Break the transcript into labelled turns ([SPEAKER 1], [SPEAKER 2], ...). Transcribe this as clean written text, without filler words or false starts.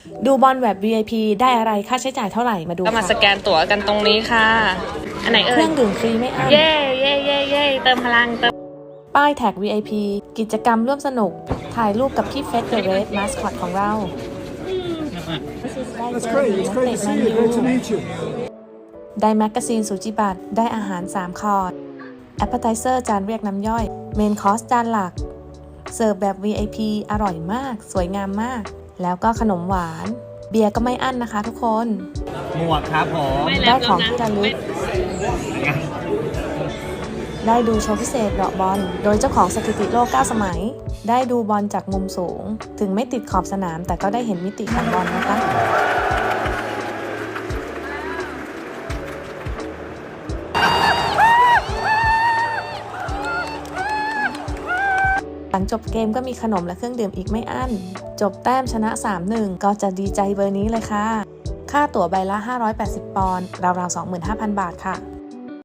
[SPEAKER 1] ดูบอลแบบ VIP ได้อะไรค่าใช้จ่ายเท่าไหร่มาดู
[SPEAKER 2] ก็มา
[SPEAKER 1] ค่ะ
[SPEAKER 2] สแกนตั๋วกันตรงนี้ค่ะ อันไหน
[SPEAKER 1] เค
[SPEAKER 2] เอ่
[SPEAKER 1] รื่
[SPEAKER 2] ย
[SPEAKER 1] องดื่มฟรีไม่อั้น
[SPEAKER 2] เย่เย่เย่เย่เติมพลังเติม
[SPEAKER 1] ป้ายแท็ก VIP กิจกรรมร่วมสนุก ถ่ายรูปกับพี่เฟสเดอะเรดมาสคอตของเรา
[SPEAKER 3] That's great. It's great to see you. Great to meet you.
[SPEAKER 1] ได้แมกกาซีนสุจิบัตรได้อาหาร 3 คอร์สแอปเปอร์ไทเซอร์จานเรียกน้ำย่อย เมนคอร์สจานหลัก เสิร์ฟแบบ VIP อร่อยมาก สวยงามมาก แล้วก็ขนมหวาน เบียร์ก็ไม่อั้นนะคะทุกคน
[SPEAKER 4] หมวกครับผม
[SPEAKER 1] ได้ของที่ระลึก ได้ดูโชว์พิเศษเดาะบอล โดยเจ้าของสถิติโลก 9 สมัย ได้ดูบอลจากมุมสูง ถึงไม่ติดขอบสนามแต่ก็ได้เห็นมิติของบอลนะคะ หลังจบเกมก็มีขนมและเครื่องดื่มอีกไม่อั้น จบแต้มชนะ 3-1 ก็จะดีใจเบอร์นี้เลยค่ะ ค่าตั๋วใบละ 580 ปอนด์ ราวๆ 25,000 บาทค่ะ